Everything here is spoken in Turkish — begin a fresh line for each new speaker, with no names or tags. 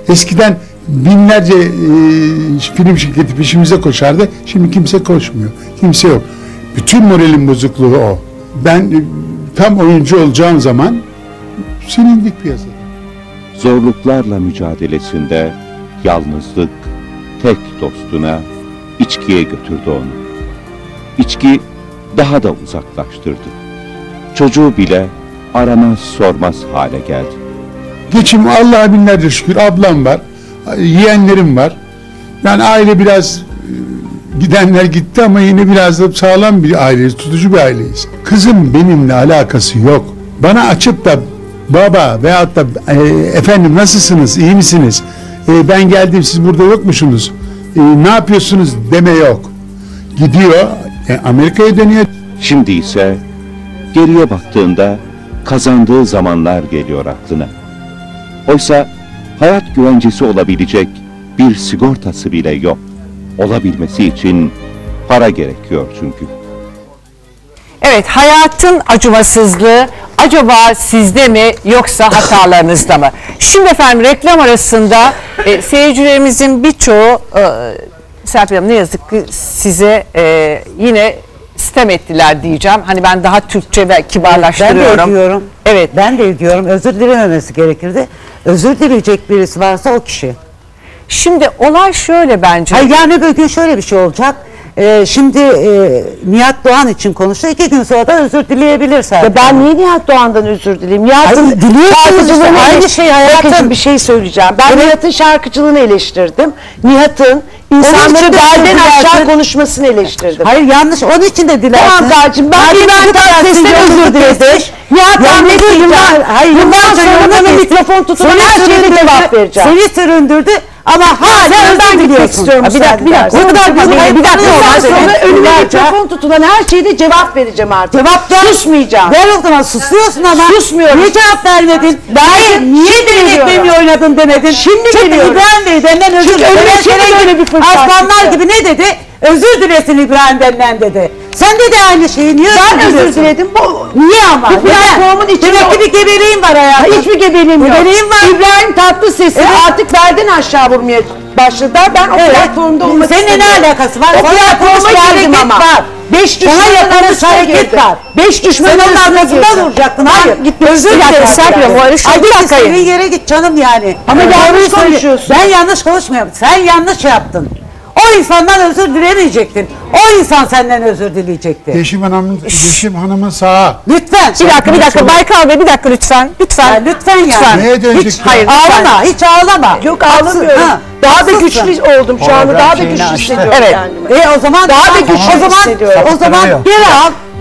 Eskiden binlerce film şirketi peşimize koşardı. Şimdi kimse koşmuyor. Kimse yok. Bütün moralin bozukluğu o. Ben tam oyuncu olacağım zaman silindik piyasada.
Zorluklarla mücadelesinde yalnızlık tek dostuna, içkiye götürdü onu. İçki daha da uzaklaştırdı. Çocuğu bile aramaz sormaz hale geldi.
Geçim Allah'a binlerce şükür, ablam var, yeğenlerim var. Yani aile biraz gidenler gitti ama yine biraz da sağlam bir aileyiz, tutucu bir aileyiz. Kızım benimle alakası yok. Bana açıp da baba veyahut da efendim nasılsınız, iyi misiniz? Ben geldim, siz burada yokmuşsunuz. Ne yapıyorsunuz deme yok. Gidiyor, Amerika'ya dönüyor.
Şimdi ise geriye baktığında kazandığı zamanlar geliyor aklına. Oysa hayat güvencesi olabilecek bir sigortası bile yok. Olabilmesi için para gerekiyor çünkü.
Evet, hayatın acımasızlığı acaba sizde mi yoksa hatalarınızda mı? Şimdi efendim reklam arasında seyircilerimizin birçoğu Serpil Hanım ne yazık ki size yine sitem ettiler diyeceğim. Hani ben daha Türkçe ve kibarlaştırıyorum.
Ben de ediyorum.
Evet.
Ben de ediyorum. Özür dilememesi gerekirdi. Özür dileyecek birisi varsa o kişi.
Şimdi olay şöyle bence.
Hayır, yani bir gün şöyle bir şey olacak. Şimdi Nihat Doğan için konuştu. 2 gün sonra da özür dileyebilir zaten.
Ya ben niye Nihat Doğan'dan özür dileyim?
Hayır, diliyorsunuz işte, aynı şey hayatım.
Bakın bir şey söyleyeceğim. Ben
Evet.
Nihat'ın şarkıcılığını eleştirdim. Nihat'ın insanları belden aşağı konuşmasını eleştirdim.
Hayır, yanlış. Onun için de dilersin.
Tamam kardeşim, ben İbrahim Tatlıses'ten özür diledim. Nihat'tan ne diyeceğim? Bundan sonra bana mikrofon tutulan her şeyde cevap vereceğim.
Seni süründürdü ama hala özür diliyorsun.
Bir dakika.
O kadar
Bir dakika. Sonra önüme mikrofon tutulan her şeyde cevap vereceğim artık.
Cevap ver.
Susmayacağım.
Ver o zaman, susuyorsun ama.
Susmuyorum.
Niye cevap vermedin? Niye benim ekmeğimi oynadın demedin?
Şimdi
çünkü
geliyorum.
İbrahim Bey benden özür
Çünkü önüme şimdi böyle bir fırsat
aslanlar
çıktı.
gibi ne dedi? Özür dilesin İbrahim benden dedi. Sen de aynı şeyi. Niye
Ben özür
diliyorsun?
diledim.
Niye ama?
Bir platformun içinde...
Demek ki bir gebeliğin var hayatım.
Hiçbir gebeliğim yok.
Gebeliğin var.
İbrahim Tatlıses'i artık belden aşağı vurmaya başladılar. Ben o platformda olmak
Seninle ne alakası var?
O platforma girdim ama. 5 düşmanın
yakalamış hareket var.
5 düşmanın
arkasında vuracaktın. Hayır.
Özür dilerim Serpil.
Ay bir istediğin yere git canım yani.
Ama yanlış konuşuyorsun.
Ben yanlış konuşmuyorum. Sen yanlış yaptın. O insandan özür dilemeyecektin. O insan senden özür dileyecekti.
Yeşim Hanım'ın sağa.
Lütfen.
Bir dakika Baykal Bey, bir dakika lütfen.
Lütfen yani.
Neye dönecek?
Hiç
Hayır,
ağlama, hiç ağlama.
Yok ağlamıyorum. Daha da güçlü oldum şu anda. Daha da güçlü hissediyorum
Evet.
kendimi.
O zaman
Daha da güçlü hissediyorum.
O zaman geri al.